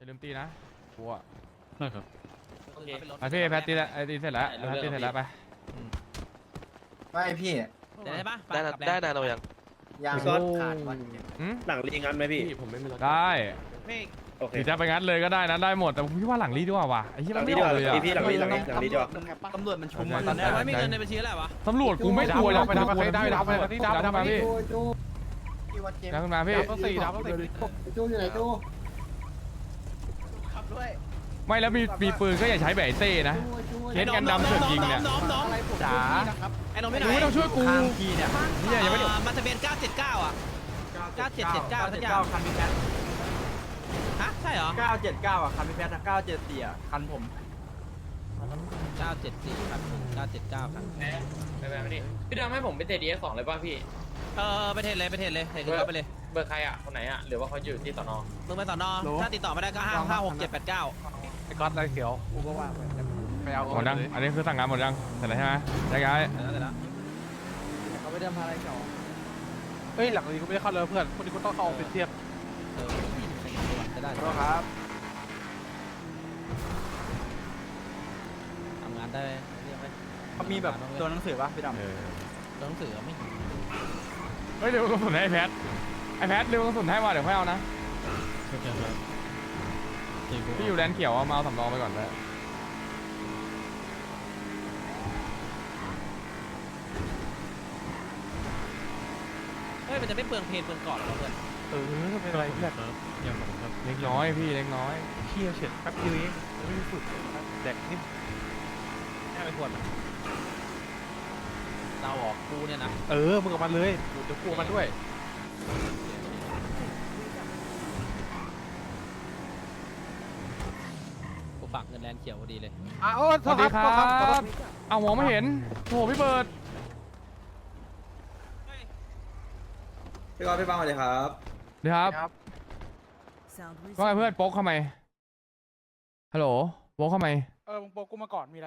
อย่าลืมตีนะกลัวได้ครับไปพี่แพทตีแล้วไอ้ตีเสร็จแล้วแพทตีเสร็จแล้วไปไม่พี่ได้ปะได้นานเรายังยังขาดวันหลังรีงันไหมพี่ผมไม่มีรถได้โอเคหรือจะไปงั้นเลยก็ได้นะได้หมดแต่ผมคิดว่าหลังรีดีกว่าว่ะไอ้ที่หลัมันงรีไม่ดีอก อกว่าเลยอะพี่หลังรีดีกว่าตำรวจมันชุมตอนนี้ไม่มีเงินในบัญชีแล้ววะตำรวจกูไม่กลัวหรอกไปดับไปดับไปดับไปดับดับมาพี่พี่วัดเจมดับขึ้นมาพี่ต้องสี่ดับต้องสี่จูอยู่ไหนจูไม่แล้วมีปืนก็อย่าใช้แบบไอ้เต้นะเล่นกันดำเสือกยิงเนี่ยน้องจ๋าไอ้น้องไม่ไหนกูไม่ต้องช่วยกูข้ามพี่เนี่ยเนี่ยยังไม่ได้มันจะเป็น979อ่ะ9779สักอย่างคันพี่แพทฮะใช่เหรอ 979อ่ะคันพี่แพท974อ่ะคันผม 974ครับ979ครับพี่ดำให้ผมไปเตะดี2เลยป่ะพี่ไปเทรดเลยเทรดเข้าไปเลยเบอร์ใครอ่ะคนไหนอ่ะหรือว่าเขาอยู่ที่สนมึงไปสอนอถ้าติดต่อไม่ได้ก็556 789 ไอ้ก๊อตไรเขียวกูก็ว่าไปเอาหมดยังอันนี้คือสั่งงานหมดยังเสร็จแล้วใช่ไหมย้ายแล้วเขาไปเดิมพาอะไรเก่าเฮ้ยหลังนี้กูไม่ได้เข้าเลยเพื่อนคนนี้กูต้องเข้าเป็นเทียบได้ขอครับทำงานได้เรียกไหมเขามีแบบตัวหนังสือป่ะพี่ดำตัวหนังสือไม่เฮ้ยเร็วกระสุนให้ไอ้แพทเร็วกระสุนให้ว่าเดี๋ยวค่อยเอานะพี่อยู่แดนเขียวเอามาเอาสำรองไปก่อนเลยเฮ้ยมันจะไม่เปลืองเพลงเปลืองก่อนหรอเพื่อนเป็นอะไรเพื่อนเล็กน้อยพี่เล็กน้อยเที่ยวเฉียดแป๊บเดียวเองไม่ได้สุดแดกนิ่มแค่ไม่ควรเราออกกูเนี่ยนะมึงกับมันเลยเดี๋ยวกลัวมันด้วยกูฝากเงินแลนเขียวพอดีเลยสวัสดีครับเอามองไม่เห็นโอ้โหพี่เบิร์ดพี่กอล์ฟพี่บังสวัสดีครับเดี๋ยวครับว่าไงเพื่อนโป๊กเข้ามาฮัลโหลโป๊กเข้ามามึงโปกูมาก่อนมีอะไร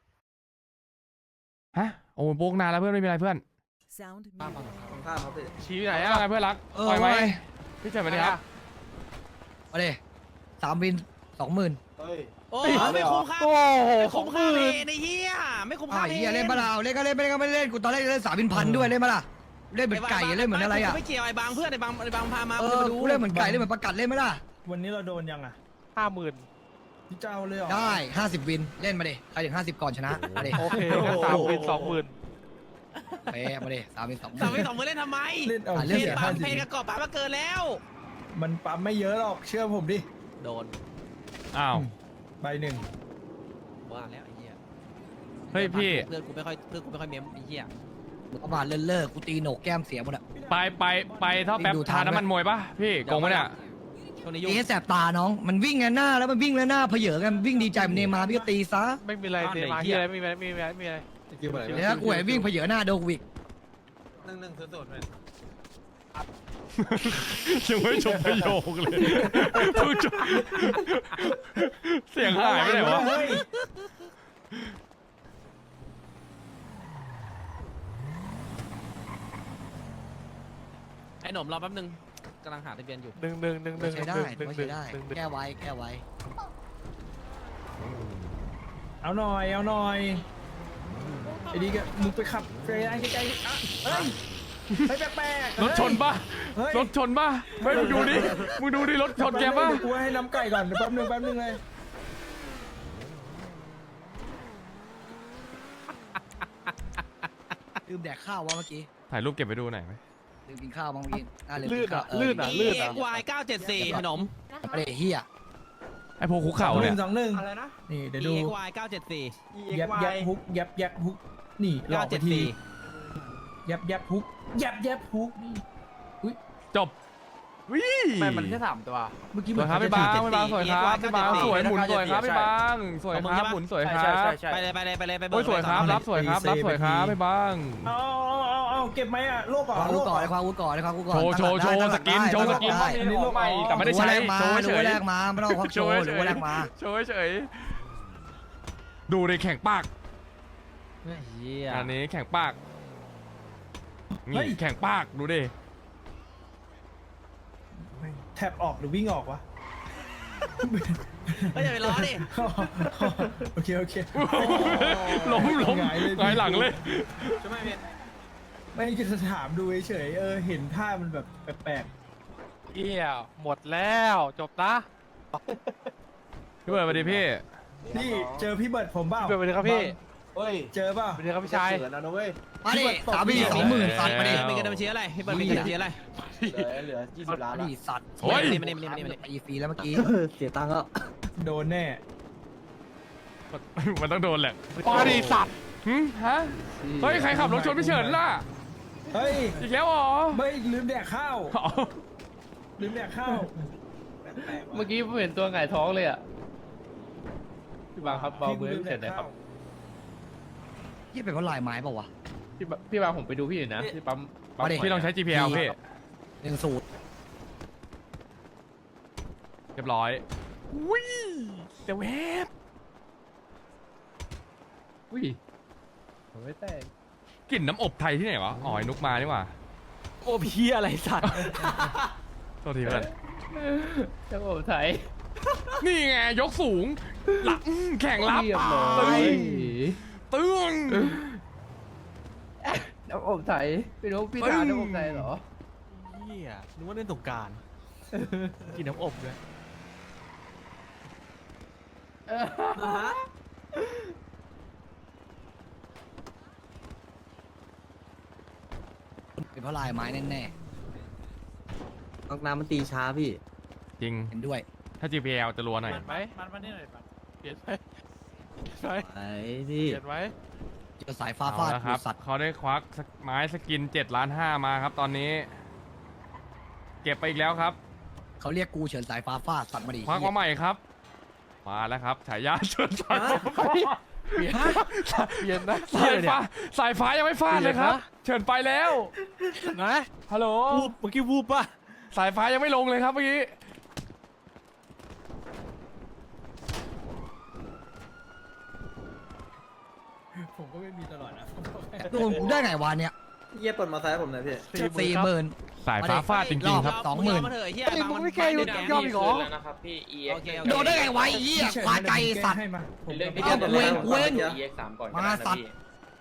ฮะโอ้โป๊กนานแล้วเพื่อนไม่มีอะไรเพื่อนข้ามครับพี่ชี้ไหนว่าอ่ะไงเพื่อนรักปล่อยไหมพี่เจ๋งไปดิครับมาเลย3 วิน 20,000 เฮ้ยโอ้ไม่คุ้มค่าโอ้โหไม่ขอคุ้งมค่ามืเพอในเฮียไม่คุ้มค่าไอ้เหี้ยเล่นมาล่ะเล่นก็เล่นไม่เล่นก็ไม่เล่นกูตอนแรกเล่น3 วินพันด้วยเล่นมาล่ะเล่นเหมือนไก่เล่นเหมือนอะไรอ่ะไม่เกี่ยวไอ้บางเพื่อนไอ้บางพามากูเล่นเหมือนไก่เล่นเหมือนประกัดเล่นมาล่ะวันนี้เราโดนยังอ่ะ 50,000 พี่เจ้าเลยเหรอได้50 วินเล่นมาดิใครถึง50ก่อนชนะมาดิโอเค3,000 20,000 เป๊ะมาดิ3 วินสาม 20,000 วิสองมือเล่นทำไมเล่นเอาเล่เพนนปั๊มเพนกับกอบปั๊มมาเกินแล้วมันปั๊มไม่เยอะหรอกเชื่อผมดิโดนอ้าวใบหนึ่งว่าแล้วไอ้เหี้ยเฮ้ยพี่เพื่อนกูไม่ค่อยเมมไอ้เหี้ยประมาณเลิกกูตีโหนกแก้มเสียหมดอ่ะไปท่อแป๊บทานน้ำมันมวยปะพี่โกงปะเนี่ยช่วงนี้ตียุ่งให้แสบตาน้องมันวิ่งไงหน้าแล้วมันวิ่งแล้วหน้าเผยกันวิ่งดีใจมันเนมาพี่ก็ตีซะไม่มีอะไรเดมาที่อะไรไม่มีอะไรไม่มีอะไรไม่มีอะไรเดี๋ยวกูเห็นวิ่งเผยหน้าโดนวิกยังไม่จบประโยคเลยเพิ่งจบเสียงหายไปไหนวะเฮ้ยไอ้หนุ่มรอแป๊บนึงกำลังหาทะเบียนอยู่ใช้ได้ใช้ได้แก้ไว้แก้ไว้เอาหน่อยไอ้ดีก็มึงไปขับเฟรนใกล้ๆอ่ะเฮ้ยไม่แปลกๆรถชนปะเฮ้ยรถชนปะไม่มึงดูดิรถชนแกปะเดี๋ยวกูให้น้ำไก่ก่อนเดี๋ยวแป๊บนึงเลยลืมแดกข้าววะเมื่อกี้ถ่ายรูปเก็บไปดูหน่อยไหมลืมกินข้าวบ้างเมื่อกี้ลื่นอ่ะ EXY 974ขนมไม่ได้เฮียไอโพคุกเข่าเนี่ย 2-1 อะไรนะนี่เดี๋ยวดู EXY 974 ยับฮุกยับฮุกนี่หลอกไปที ยับฮุกยับฮุกนี่จบวิมันแค่3ตัวเมื่อกี้สเหมืวอย นครับพี่บางพี่บางสวยครับพี่บางสวยหมุนสวยครับพี่บางสวยครับหมุนสวยครับไปเลยไปโอ้ยสวยครับรับสวยครับรับสวยครับพี่บางเอาเก็บไหมอ่ะโลกอ่ะความโลรู้กก่อนอ่ะความรู้ก่อนความรู้ก่อนโชว์สกินได้อันนี้โลกใหม่แต่ไม่ได้ใช้มาโชว์เฉดูยแรกมาไม่ต้องควักโชว์หรือว่าแรกมาโชว์เฉยดูในแข่งปากเฮียอันนี้แข่งปากนี่แข่งปากดูดิแท็บออกหรือวิ่งออกวะก็อย่าไปล้อดิโอเคโอเคล้มหงายเลยหงายหลังเลยไม่จะถามดูเฉยๆเห็นท่ามันแบบแปลกเอี้ยหมดแล้วจบนะพี่เบิร์ดสวัสดีพี่ๆนี่เจอพี่เบิร์ดผมเปล่าเบิร์ดสวัสดีครับพี่เจอเปล่าสวัสดีครับพี่ชายมาดิ3,20,000สัตว์มาดิมีกระดาษบัญชีอะไรพี่เบิร์ดมีกระดาษบัญชีอะไรมาดิสัตว์โอ้ยมานี่มานี่มานี่มานี่ตีฟรีแล้วเมื่อกี้โดนแน่มันต้องโดนแหละปาดีสัตว์หึฮะ เฮ้ย ใครขับรถชนพี่เฉินล่ะเฮ้ยอีกแล้วเหรอไม่ลืมแดกข้าวอ๋อลืมแดกข้าวเมื่อกี้ผมเห็นตัวหงายท้องเลยอ่ะพี่บางครับเบามือลืมเสร็จเลยครับยี่เป็นเพราะลายไม้เปล่าวะพี่บางผมไปดูพี่อยู่นะที่ปั๊มมาดิพี่ต้องใช้ GPL พี่ 1 เรียบร้อยวิ่งแต่เวฟอุ้ยผมไม่แต่งกลิ่นน้ำอบไทยที่ไหนวะ อ๋อไอ้นุกมานี่หว่าโอ้พี่อะไรสัตว์โทษทีเพื่อนจะผมไทยนี่ไง ยกสูงหลังแข่งรับเรียบร้อตึยงตึงน้ำอบไทยพี่นุ๊กพี่ทานน้ำอบไทยเหรอเฮียนึกว่าเล่นสงกรารกินน้ำอบเลยเป็นเพราะลายไม้แน่น้องน้ำมันตีช้าพี่จริงๆเห็นด้วยถ้า GPL จะรัวหน่อยเปลี่ยนไหมมันมานี่หน่อยปัดเปลี่ยนไหมเปลี่ยนไหมไอ้พี่เปลี่ยนไหมเจอสายฟ้าเอาฟาดละครับสัตว์เขาได้ควักไม้สกิน7.5 ล้านมาครับตอนนี้ เก็บไปอีกแล้วครับเขาเรียกกูเฉินสายฟ้าฟาดสัตว์มาดิควักมาใหม่ครับ มาแล้วครับฉายาเชิญสายฟ้าเปลี่ยนเปลี่ยนนะสายฟ้าสายฟ้ายังไม่ฟาดเลยครับ เชิญไปแล้วนะฮัลโหลวูบเมื่อกี้วูบป่ะสายฟ้ายังไม่ลงเลยครับเมื่อกี้ผมก็ไม่มีตลอดนะโดนกูได้ไงวะเนี่ยเยี่ยปลดมาซ้ายผมหน่อยพี่ 40,000 สายฟ้าฟาดจริงๆครับ 20,000 มึงมาเถอะไอ้เหี้ยไอ้มึงไม่แก้อยู่ยอมอีกเหรอแล้วนะครับพี่ EX โอเคโดนได้ไงวะไอ้เหี้ยควายไก่สัตว์ให้มาผมเรื่องที่เอาเดี๋ยวเว้งเว้ง EX 3ก่อนมาสัตว์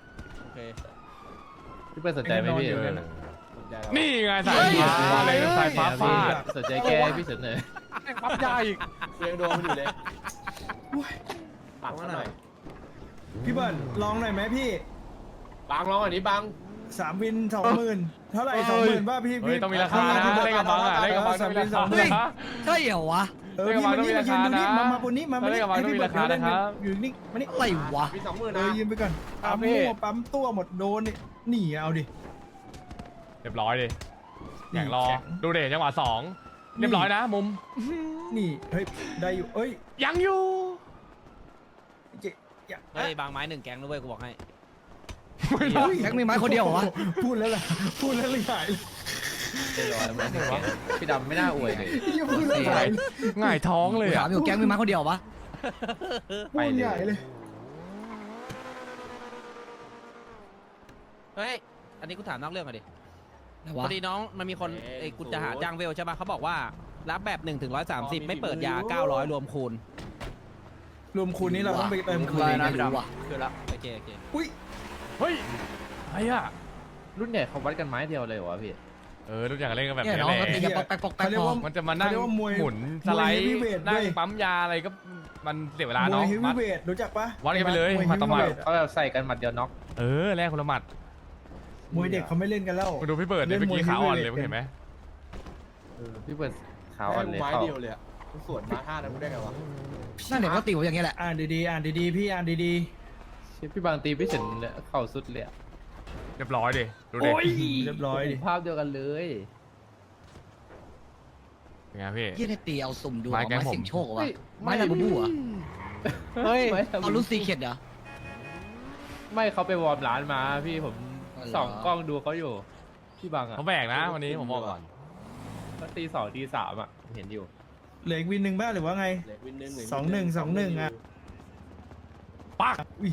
พี่เปิ้ลสนใจไหมพี่นี่ไงสายฟ้าอะไรนะสายฟ้าฟาดสนใจแก้พี่เสนอปั๊บยาอีกยังโดนอยู่เลยปักหน่อยพี่เบิร์ดลองหน่อยไหมพี่บางร้องอันนี้บาง 3 วิน 20,000 เท่าไหร่ 20,000ป่ะพี่เฮ้ยต้องมีราคานะเล่นกับบังอ่ะเล่นกับบังต้องมีราคาเฮ้ยนะใช่เหรอวะเออพี่มานี่มายืนดูนี่มาบนนี้มาเล่นกับบังต้องมีราคานะครับอยู่นี่มานี่อะไรวะมี20,000 เอนะอยืนไปก่อนปั๊มมั่วปั๊มตัวหมดโดนนี่หนีเอาดิเรียบร้อยดิแข่งรอแข็งดูเดจังหวะสองเรียบร้อยนะมุมนี่เฮ้ยได้อยู่เอ้ยยังอยู่เจ๊อย่าเฮ้ยบางไม้1 แกงนะเว้ยกูบอกให้แจ็คมีไม้คนเดียวเหรอวะพูดแล้วล่ะพูดแล้วเลยหายเลยพี่ดำไม่น่าอวยเลยอย่าพูดแล้วหายเลยง่ายท้องเลยกูถาอ่ะมอยู่แก๊งมีไม้คนเดียวเหรอวะพูดใหญ่เลยเฮ้ยอันนี้กูถามนอกเรื่องก่อนดิไหนพวะอดีน้องมันมีคนไอ้กูจะหาจ้างเวลใช่ป่ะเขาบอกว่ารับแบบ1 ถึง 130ไม่เปิดยา900รวมคูณรวมคูณนี้เราต้องไปเติมคืนไม่นะรู้ว่ะคือละโอเคโอเคอุ้ยเฮ้ยอะไรอ่ะรุ่นใหญ่เขาวัดกันไม้เดียวเลยเหรอพี่รู้จักเล่นกันแบบเนี่ยนี้น้องแหก็ตีละกันปอกแป๊กปอกแป๊กเขาเรียกพอว่ามันจะมานั่งเขาเรียกว่ามวยหมุนสไลด์มวย heavyweight นั่งด้วยปั๊มยาอะไรก็มันเสียเวลามวยเนาะเฮฟมัวีดเวทรู้จักปะวัดกันไปเลยวยหมัดต่อหมัด heavyweight เขาแบบใส่กันหมัดเดียวน็อกแลกคนละหมัดมวยเด็กเขาไม่เล่นกันแล้วมาดูพี่เบิร์ดเนี่ยเมื่อกี้ขาอ่อนเลยเห็นไหมพี่เปิดขาวอ่อนเลยไม้เขาเดียวเลยอะสวนมาท่านั้นกูได้ไงวะนั่นเด็กก็ติวอย่างเงี้ยแหละอ่านดีๆอ่านดีๆพี่อ่านดีพี่บางตีพี่เฉินเข่าสุดเลยเรียบร้อยดิดูๆดิโอ้ยเรียบร้อยดิภาพเดียวกันเลยเป็นไงพี่ยี่ได้ตีเอาสุ่มดูไม้เอาแก๊งไม้ผมเสิงโชคเหรอวะไม้ลาบูบูเหรอเฮ้ยเอารุ่นซีเข็ดเหรอไม่เขาไปวอร์มร้านมาพี่ผมอ๋อเหรอส่องกล้องดูเขาอยู่พี่บางอ่ะเขาแบกนะวันนี้ผมบอกก่อนเขาตี 2 ตี 3อ่ะเห็นอยู่เหลืออีกวินหนึ่งบ้างหรือว่าไง 2-1 อ่ะปักอุ้ย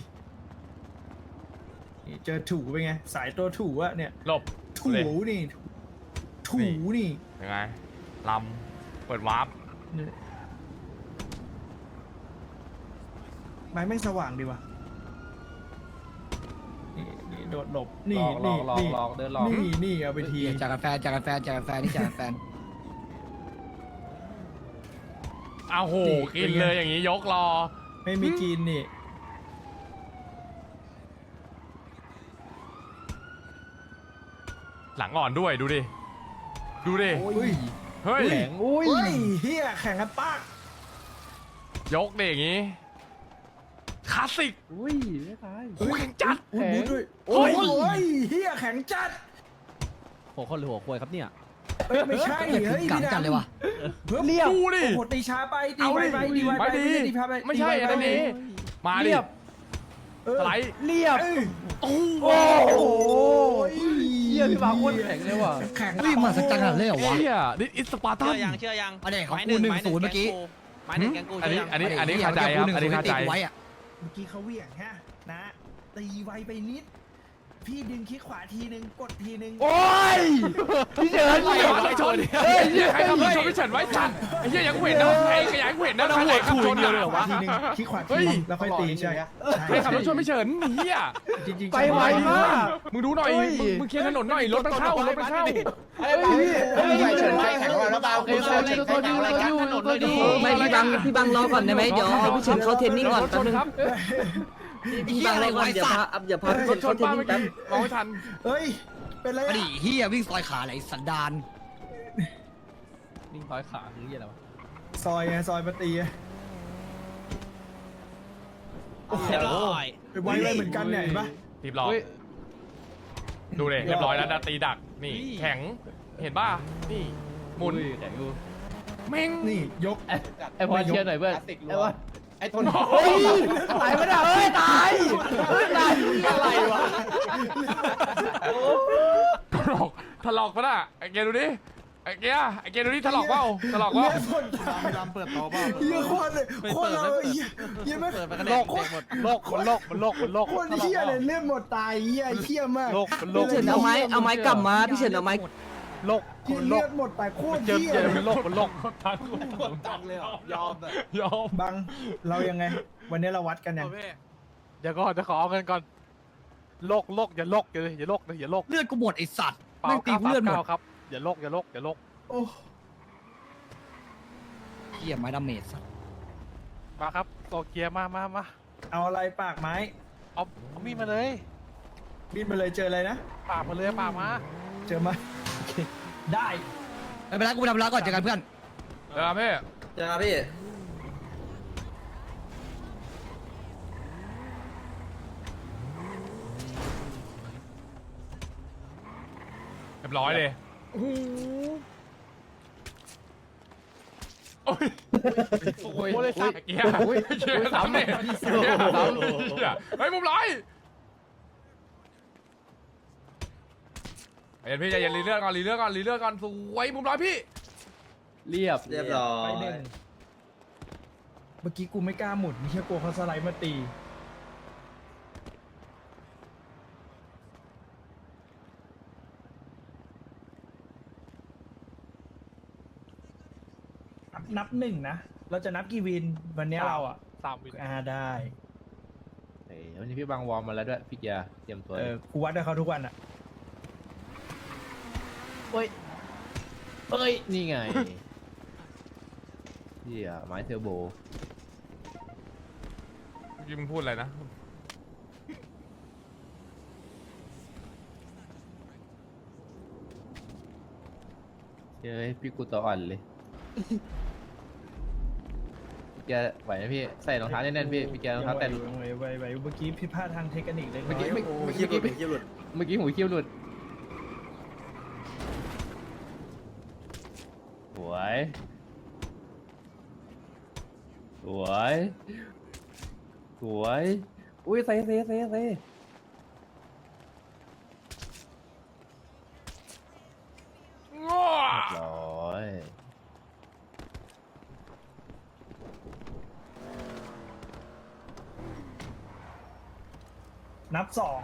นี่เจอถูเป็นไงสายตัวถูอะเนี่ยหลบถูเลยนี่ถูนี่ยังไงลำเปิดวาร์ปไม้แม่งสว่างดีว่ะนี่โดดหลบนี่หลนี่อกหลอกนี่หลอกเดินหลอกนี่เอาไปทีจากกันแฟนนี่จากกันแฟนอ้าวโหกินเลยอย่างนี้ยกรอไม่มีกินนี่หลังอ่อนด้วยดูดิดูดิอุ้ยเฮ้ยแข็งอุ้ยเฮียแข่งกันปากยกดิอย่างนี้คลาสสิกอุ้ยไม่ตายโอ้แข็งจัดอุ้ยด้วยโอ้โอ้ยยเฮียแข็งจัดหัวคนหรือหัวควายครับเนี่ยเอ้ยไม่ใช่เฮ้ยเฮ้ยกัดพี่กันเลยว่ะเรียบดูดิโอ้โหตีช้าไปตีเอาไวดิไปตีไวไปไม่ดีตีช้าไปไม่ใช่อันนี้มาดิเออสไลด์เรียบโอ้โอ้โหเฮียพี่บางโคตรแข็งเลยว่ะแข็งเฮ้ยมาสักจังขนาดเลยเหรอวะเฮียนี่อิสปาร์ตัเชื่นอยังเชื่อยังอันนี้ของไม้กูหนึ่ง 1-0เมื่อกี้ไม้หนึ่งแกงกูอันเชื่นี้อยังอันนี้คาใจครับอันนี้คาใจไว้อะเมื่อกี้เขาเหวี่ยงฮะนะตีไวไปนิด พี่ดึงคลิกขวาทีนึงกดทีนึงโอ้ยพี่เฉินไอ้ชนเฮ้ยใครขับรถชนไม่เฉินไว้จัดไอ้เหี้ยยังเห็นนะไอ้ขยายเห็นนะใครขับชนเดียวเลยเหรอวะทีนึงคลิกขวาเฮ้ทียนึงแล้วค่อยตีใช่ใครขับรถชนไม่เฉินเฮียจริงๆไปไวมากมึงดูหน่อยมึงเคลียร์ถนนหน่อยรถมันเข้ารถมันเข้าเฮ้ยพี่เฮ้ยเฉินแข็งแล้วเบาเฮ้ยเขาอยู่เขาอยู่เขาอยู่ไม่พี่บังรอก่อนได้ไหมเดี๋ยวให้พี่เฉินเขาเทรนนิ่งก่อนแป๊บนึงพี่บังรอก่อนเดี๋ยวพาพี่รเฉิถนชเขานเทรนป้านิ่เมื่งอแป๊บกี้มองไม่ทันเฮ้ยเป็นไรออะดีเฮียวิ่งซอยขาไหนสันดานนิ่งร้อยขาคือเฮียอะไรวะซอยไงซอยมาตีอะโอ้โหเรียบร้อยไวเลยเหมือนกันเนี่ยเห็นปะตีบล้อดูเลยเรียบร้อยแล้วตีดักนี่แข็งเห็นป่ะนี่หมุนแข็งอยู่เม่งนี่ยกไอพอเชียร์หน่อยเพื่อนไอ้วะไอ้ทนเฮ้ยตายไม่ได้เฮ้ยตายตายอะไรวะถลอกปะน่ะไอ้เกดูดิไอ้เกดูดิถลอกเปล่าถลอกเปล่าเลือดคนไม่ลำเปิดต่อเปล่าเยอะโคตรเลยโคตรเราเยอะไหมเปิดไปกันโลเลยกหมดโลกมันโลกมันโลกมันโลกโคตรเหี้ยเลยเลือดหมดตายเหี้ยเหี้ยมากโลกมันโลกพี่เฉินเอาไม้กลับมาพี่เฉินเอาไม้โลกเหี้ยมันโลเลืกอดหมดตายโคตรเจอเหี้ยเจอเลยมันโลกมันโลกตังเลยยอมยอมบังเรายังไง วันนี้เราวัดกันยังเดี๋ยวก่อนจะขอเอาเงินก่อนโลกอย่าโลกอย่าโลกอย่าโลกเลือดกูหมดไอสัตว์เปล่าแม่งตีกูเลือดหมดครับอย่าโลกอย่าโลกอย่าโลกโอ้เฮียไม้ดาเมจสัตว์มาครับโตเกียมาเอาอะไรปากไม้เอามีดมาเลยบินมาเลยเจออะไรนะปากมาเลยปากมาเจอมาโอเคได้ไม่เป็นไรกูไปทำร้านก่อนเจอกันเพื่อนเดี๋ยวพี่เจอครับพี่เรียบร้อยเลยโอ้ยโอ้ยเลยสัตว์เกียร์เกียร์ซ้ำเนี่ยเฮ้ยมุมร้อยเห็นพี่ใจเย็นรีเลือกก่อนสวยมุมร้อยพี่เรียบเรียบร้อไปยหนึ่งเมื่อกี้กูไม่กล้าหมุนไม่เชื่อกลัวเขาสไลด์มาตีนับหนึ่งนะ เราจะนับกี่วินวันนี้เราอ่ะ 3 วินได้วันนี้พี่บังวอร์มมาแล้วด้วยพี่เกียร์เตรียมตัวกูวัดกับเขาทุกวันอ่ะเอ้ยนี่ไงเฮียไม้เทอร์โบเมื่อกี้มึงพูดอะไรนะเฮ้ยพี่กูตัวอ่อนเลยพี่แกไหวไหมพี่ใส่รองเท้าแน่นๆพี่พี่แกรองเท้าแตะไวเมื่อกี้ผิดพลาดทางเทคนิคเล็กน้เมื่อกี้อยไม่โอ้ยคีบหลุดคีบหลุดเมื่อกี้หูคิ้วหลุดสวยสวยสวยอุ้ยเซ่ง้อร้อยนับสอง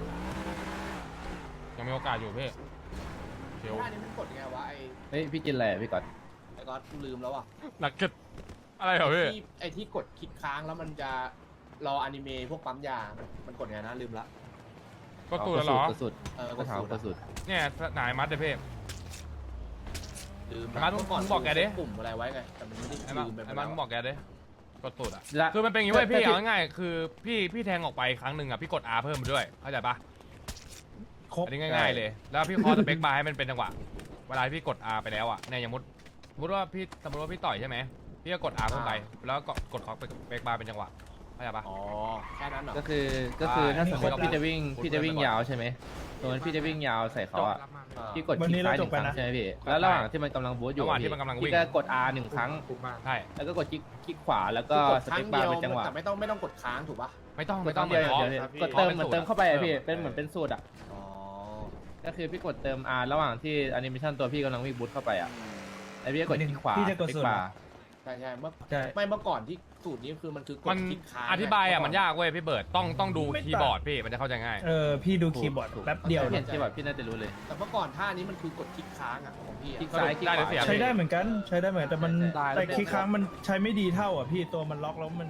ยังมีโอกาสอยู่พี่เชียวท่านี้มันกดยังไงวะเฮ้ยพี่กินอะไรอ่ะพี่ก่อนไอ้ก๊อตกูลืมแล้วอ่ะหนักเกิดอะไรเหรอพี่ไอ้ที่กดคลิกค้างแล้วมันจะรออนิเมะพวกปั๊มยา มันกดไงนะลืมละก็ตูดแล้วเหรอกระสุดกดสูตรกระสุดเนี่ยนายมัดเดเพ่ลืมไอ้มัดเมื่อก่อนมึงบอกแกดิกลุ่มอะไรไว้ไงแต่มันไม่ได้ไอ้มันลืมไปไอ้แล้มันวบอกแกดิกดตูดอ่ะและคือมันเป็นอย่างงี้เว้ยพี่แต่เอาง่ายๆคือพี่แทงออกไปครั้งหนึ่งอ่ะพี่กด R เพิ่มมาด้วยเข้าใจปะครบอันนี้ง่ายๆเลยแล้วพี่คอสเปคบาร์ให้มันเป็นจังหวะเวลาพี่กด R ไปแล้วอ่ะเนี่ยอย่างสมมติว่าพี่ต่อยใช่ไหมพี่ก็กด R เพิ่มไปแล้วก็กดคอสเปคบาร์เป็นจังหวะเข้าใจปะอ๋อแค่นั้นเหรอก็คือถ้าสมมติพี่จะวิ่งยาวใช่ไหมสมมติพี่จะวิ่งยาวใส่เขาอะพี่กดคลิกซ้ายหนึ่งครั้งใช่ไหมพี่แล้วระหว่างที่มันกำลังบูทอยู่ระหว่างที่มันกำลังวิ่งพี่ก็กด R 1 ครั้งใช่แล้วก็กดคลิกขวาแล้วก็กดสครั้เปงคเดีบาร์ยวเป็นจังหวะแต่ไม่ต้องกดค้างถูกปะไม่ต้องกไม่ดต้องเดียวขอเดี๋ยวกดเติมเหมือนเติมเข้าไปอะพี่เป็นเหมือนเป็นสูตรอะอ๋อก็คือพี่กดเติม R ระหว่างที่แอนิเมชันตัวพี่กำลังวิ่งบูทเข้าไปอะแล้วพี่ก็กดคลิกขวาพี่จะกดคลิสูกตรบาเหรอร์ใช่เมื่อใช่ไม่เมื่อก่อนที่สูตรนี้คือมันคือกมัดนคลิกค้างอธิบายอ่ะมันยากเว้ยพี่เบิร์ดต้องดูคีย์บอร์ดพี่มันจะเข้าใจง่ายพี่ดูคีย์บอร์ดแป๊บเดียวเห็นที่แบบพี่น่าจะรู้เลยแต่เมื่อก่อนท่านี้มันคือกดคลิกค้างอ่ะของพี่คลิกอะซ้ายคลิกได้ขหรือวาเสียใช้ได้เหมือนกันใช้ได้เหมือนแต่มันได้แต่คลิกครั้งมันใช้ไม่ดีเท่าอ่ะพี่ตัวมันล็อกแล้วมัน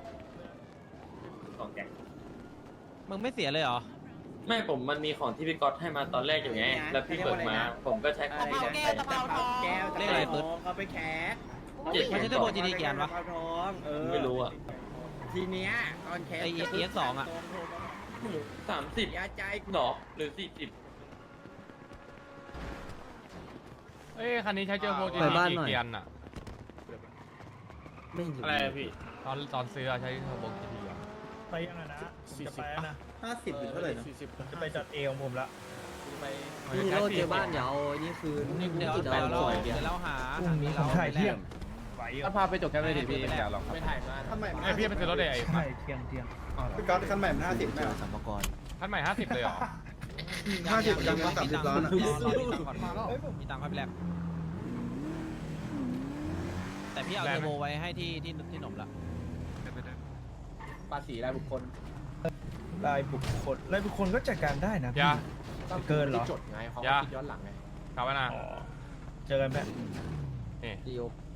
มึงไม่เสียเลยเหรอไม่ผมมันมีของที่พี่ก๊อตให้มาตอนแรกอยู่ไง แล้วพี่เปิดมา ผมก็ใช้ของที่ใช้เรียกอะไรปึ๊ดเขาไปแคสเจ็ดมันใช่ตัวโบจีดีกี่อันวะเขาทองไม่รู้อ่ะทีเนี้ยตอนแคสไอ้ EX2 อะ 30 ยาใจกูหรอหรือ40 เอ้ยคันนี้ใช้เจอโปรจีไปบ้านกี่หน่อยเกียนอ่ะไม่อยู่อะไรอะพี่ตอนซื้อใช้เทอร์โบกี่ทีอ่ะไปยังไงนะผมจะไปแล้วนะ 50หรือเท่าไหร่นะจะไปจัดเอของผมละพี่โรดเจอบ้านเดี๋ยวเอานี่คืนเดี๋ยวติดเราเอาเดี๋ยวเราหาพรุ่งนี้ผมถ่ายเที่ยงไหวอยู่ถ้าพาไปจบแค่ไม่ดีพี่อยากลองครับไม่ถ่ายมาทำไมไอยพี่ไปซื้อรถไอ้ใช่เที่ยงพี่ก๊อตคันใหม่มัน50ไม่เหรอคันใหม่50เลยเหรอ 50ยังมัน30ล้านอะรอมีตังค์ก่อนมีตังค์ค่อยไปแลกแต่พี่เอาเทอร์โบไว้ให้ที่หนมละภาษีรายบุคคลรายบุคคลก็จัดการได้นะพี่ยาเกินเหรอที่จดไงเขายาคิดย้อนหลังไงกลับมานะอ๋อเจอกันแป๊บนี่ดีโอ